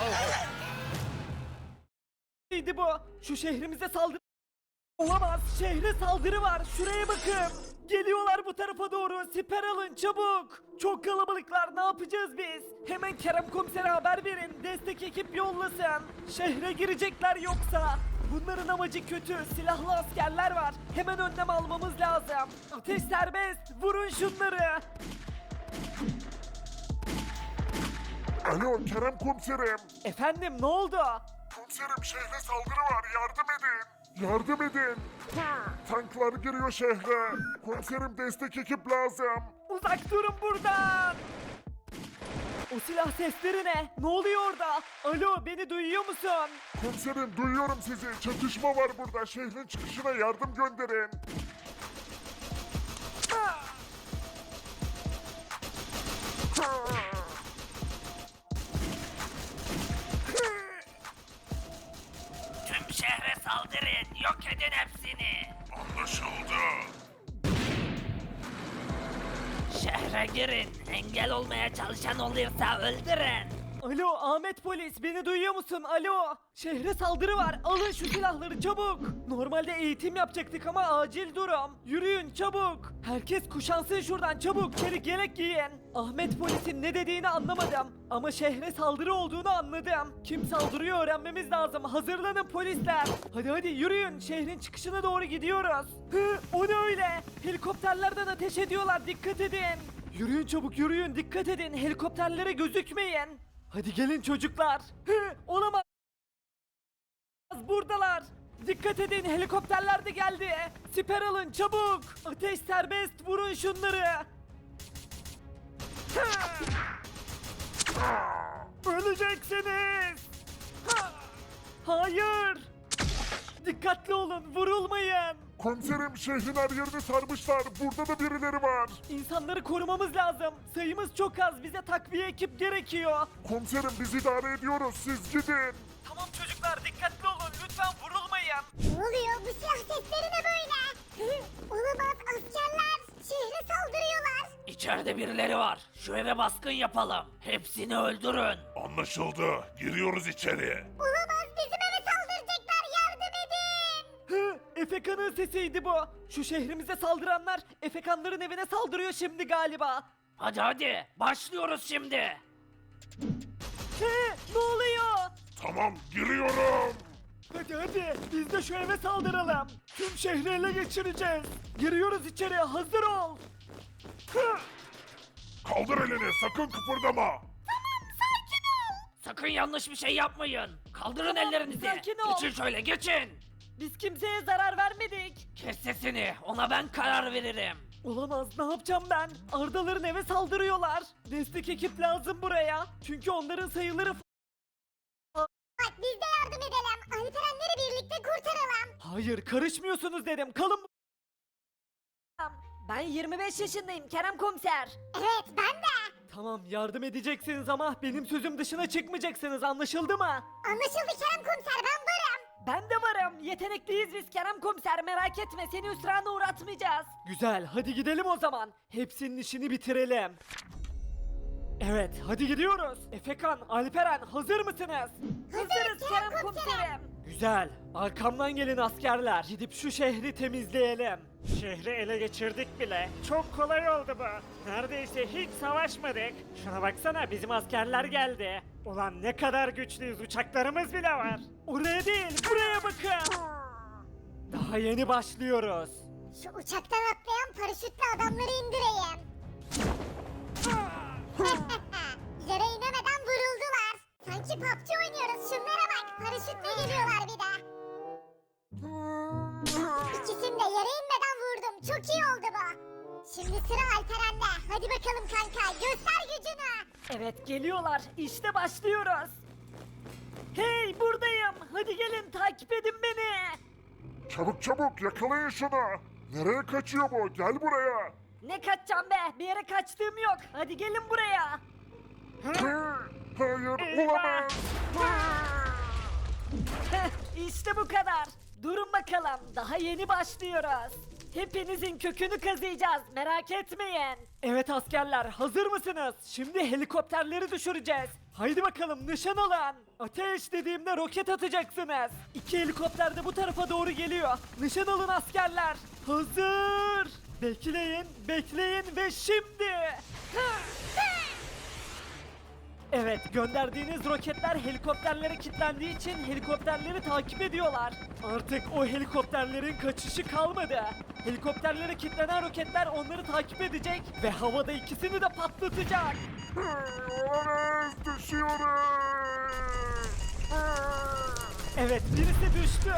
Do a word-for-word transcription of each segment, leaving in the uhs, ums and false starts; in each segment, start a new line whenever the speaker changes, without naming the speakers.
Neydi bu? Şu şehrimize saldırı... Olamaz. Şehre saldırı var. Şuraya bakın. Geliyorlar bu tarafa doğru. Siper alın çabuk. Çok kalabalıklar. Ne yapacağız biz? Hemen Kerem Komiser'e haber verin. Destek ekip yollasın. Şehre girecekler yoksa. Bunların amacı kötü. Silahlı askerler var. Hemen önlem almamız lazım. Ateş serbest. Vurun şunları.
Alo Kerem komiserim.
Efendim ne oldu?
Komiserim şehre saldırı var yardım edin. Yardım edin. Tanklar giriyor şehre. Komiserim destek ekip lazım.
Uzak durun buradan. O silah sesleri ne? Ne oluyor orada? Alo beni duyuyor musun?
Komiserim duyuyorum sizi. Çatışma var burada. Şehrin çıkışına yardım gönderin.
Tüm şehre saldırın, yok edin hepsini.
Anlaşıldı.
Şehre girin, engel olmaya çalışan olursa öldürün.
Alo Ahmet polis beni duyuyor musun? Alo. Şehre saldırı var. Alın şu silahları çabuk. Normalde eğitim yapacaktık ama acil durum. Yürüyün çabuk. Herkes kuşansın şuradan çabuk. Çelik yelek giyin. Ahmet polisin ne dediğini anlamadım. Ama şehre saldırı olduğunu anladım. Kim saldırıyor öğrenmemiz lazım. Hazırlanın polisler. Hadi hadi yürüyün. Şehrin çıkışına doğru gidiyoruz. Hı, o ne öyle? Helikopterlerden ateş ediyorlar. Dikkat edin. Yürüyün çabuk yürüyün. Dikkat edin. Helikopterlere gözükmeyin. Hadi gelin çocuklar. Hı, olamaz. Buradalar. Dikkat edin helikopterler de geldi. Siper alın çabuk. Ateş serbest vurun şunları. Hı. Öleceksiniz. Ha. Hayır. Dikkatli olun vurulmayın.
Komiserim şehrin her yerini sarmışlar. Burada da birileri var.
İnsanları korumamız lazım. Sayımız çok az. Bize takviye ekip gerekiyor.
Komiserim biz idare ediyoruz. Siz gidin.
Tamam çocuklar dikkatli olun. Lütfen vurulmayın.
Ne oluyor? Bu silah sesleri ne böyle? Hı? Olamaz askerler. Şehre saldırıyorlar.
İçeride birileri var, şu eve baskın yapalım. Hepsini öldürün.
Anlaşıldı. Giriyoruz içeri.
Olamaz bizim eve saldıracaklar. Yardım edin.
Hı, Efekan'ın sesiydi bu. Şu şehrimize saldıranlar Efekanların evine saldırıyor şimdi galiba.
Hadi hadi, başlıyoruz şimdi.
Hı, ne oluyor?
Tamam giriyorum.
Hadi hadi biz de şu eve saldıralım. Tüm şehri ele geçireceğiz. Giriyoruz içeri hazır ol. Hı,
Kaldır elini sakın kıpırdama.
Sakın yanlış bir şey yapmayın. Kaldırın ellerinizi.
sakin ol.
Geçin şöyle, geçin.
biz kimseye zarar vermedik.
Kes sesini, ona ben karar veririm.
Olamaz ne yapacağım ben? Ardaların eve saldırıyorlar. Destek ekip lazım buraya. Çünkü onların sayıları...
Bak biz de yardım edelim. Alperenleri birlikte kurtaralım.
Hayır karışmıyorsunuz dedim kalın. Ben yirmi beş yaşındayım Kerem Komiser.
Evet ben de.
Tamam yardım edeceksiniz ama benim sözüm dışına çıkmayacaksınız anlaşıldı mı?
Anlaşıldı Kerem Komiser ben varım.
Ben de varım. Yetenekliyiz biz Kerem Komiser merak etme seni hüsrana uğratmayacağız. Güzel hadi gidelim o zaman. Hepsinin işini bitirelim. Evet hadi gidiyoruz. Efekan, Alperen hazır mısınız?
Hazırız Kerem Komiserim.
Güzel. Arkamdan gelin askerler. Gidip şu şehri temizleyelim. Şehri ele geçirdik bile. Çok kolay oldu bu. Neredeyse hiç savaşmadık. Şuna baksana bizim askerler geldi. Ulan ne kadar güçlüyüz uçaklarımız bile var. Oraya değil buraya bakın. Daha yeni başlıyoruz.
Şu uçaktan atlayan paraşütle adamları indireyim. Yere inemeden vuruldular. Sanki P U B G oynuyoruz. Şunlara bak. Paraşütle geliyorlar bir de. İkisini de yere inmeden vurdum. Çok iyi oldu bu. Şimdi sıra Alperen'de. Hadi bakalım kanka. Göster gücünü.
Evet geliyorlar. İşte başlıyoruz. Hey buradayım. Hadi gelin takip edin beni.
Çabuk çabuk yakalayın şunu. Nereye kaçıyor bu? Gel buraya.
Ne kaçacağım be? Bir yere kaçtığım yok. Hadi gelin buraya.
Hı, Hayır olamaz.
Heh, İşte bu kadar. Durun bakalım. Daha yeni başlıyoruz. Hepinizin kökünü kazıyacağız. Merak etmeyin. Evet askerler, hazır mısınız? Şimdi helikopterleri düşüreceğiz. Haydi bakalım, nişan alın. Ateş dediğimde roket atacaksınız. İki helikopter de bu tarafa doğru geliyor. Nişan alın askerler. Hazır. Bekleyin, bekleyin ve şimdi. Evet, gönderdiğiniz roketler helikopterlere kilitlendiği için helikopterleri takip ediyorlar. Artık o helikopterlerin kaçışı kalmadı. Helikopterlere kilitlenen roketler onları takip edecek ve havada ikisini de patlatacak.
Olamaz, düşüyoruz.
Evet, birisi düştü.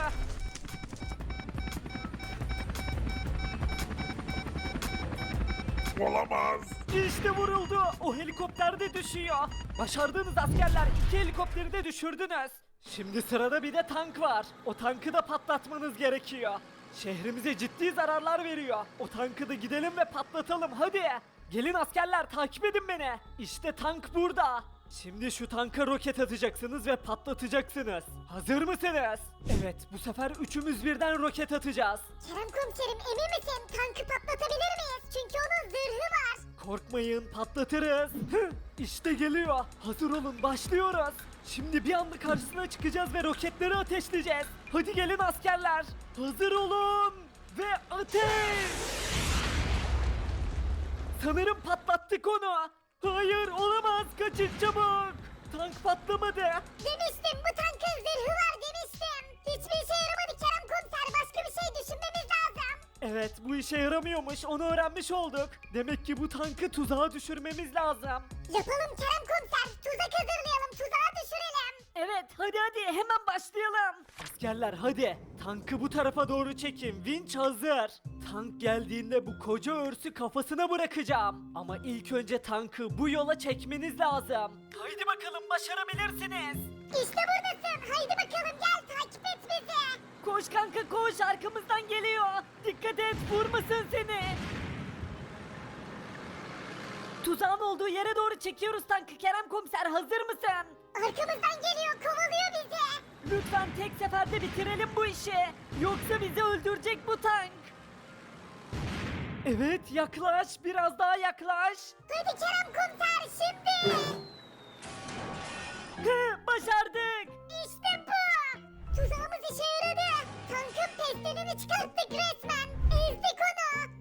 Olamaz.
İşte vuruldu. O helikopter de düşüyor. Başardığınız askerler, iki helikopteri de düşürdünüz. Şimdi sırada bir de tank var. O tankı da patlatmanız gerekiyor. Şehrimize ciddi zararlar veriyor. O tankı da gidelim ve patlatalım hadi. Gelin askerler, takip edin beni. İşte tank burada. Şimdi şu tanka roket atacaksınız ve patlatacaksınız. Hazır mısınız? Evet, bu sefer üçümüz birden roket atacağız.
Kerem komiserim emin misin? Tankı patlatabilir miyiz? Çünkü onun zırhı var.
Korkmayın, patlatırız. Hıh, İşte geliyor. Hazır olun, başlıyoruz. Şimdi bir anda karşısına çıkacağız ve roketleri ateşleyeceğiz. Hadi gelin askerler. Hazır olun. Ve ateş. Sanırım patlattık onu. Hayır, olamaz. Kaçın çabuk. Tank patlamadı.
Demiştim, bu tankın zırhı var demiştim. Hiçbir işe yaramadı Kerem komiser. Başka bir şey düşünmemiz lazım.
Evet, bu işe yaramıyormuş. Onu öğrenmiş olduk. Demek ki bu tankı tuzağa düşürmemiz lazım.
Yapalım Kerem komiser. Tuzak hazırlayalım. Tuzağa düşürelim.
Evet, hadi hadi hemen başlayalım. Askerler hadi, tankı bu tarafa doğru çekin. Vinç hazır. Tank geldiğinde bu koca örsü kafasına bırakacağım. Ama ilk önce tankı bu yola çekmeniz lazım. Haydi bakalım, başarabilirsiniz.
İşte buradasın. Haydi bakalım gel takip et bizi.
Koş kanka koş, arkamızdan geliyor. Dikkat et, vurmasın seni. Tuzağın olduğu yere doğru çekiyoruz tankı. Kerem komiser, hazır mısın?
Arkamızdan geliyor, kovalıyor bizi.
Lütfen tek seferde bitirelim bu işi. Yoksa bizi öldürecek bu tank. Evet, yaklaş, biraz daha yaklaş.
Hadi Kerem komiser şimdi.
Hı, başardık.
İşte bu. Tuzağımız işe yaradı. Tankın pestilini çıkarttık resmen. Ezdik onu.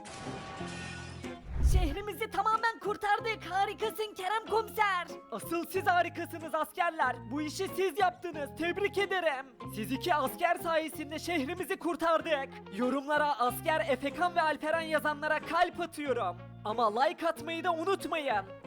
Şehrimizi tamamen kurtardık. Harikasın Kerem komiser. Asıl siz harikasınız askerler. Bu işi siz yaptınız. Tebrik ederim. Siz iki asker sayesinde şehrimizi kurtardık. Yorumlara asker Efekan ve Alperen yazanlara kalp atıyorum. Ama like atmayı da unutmayın.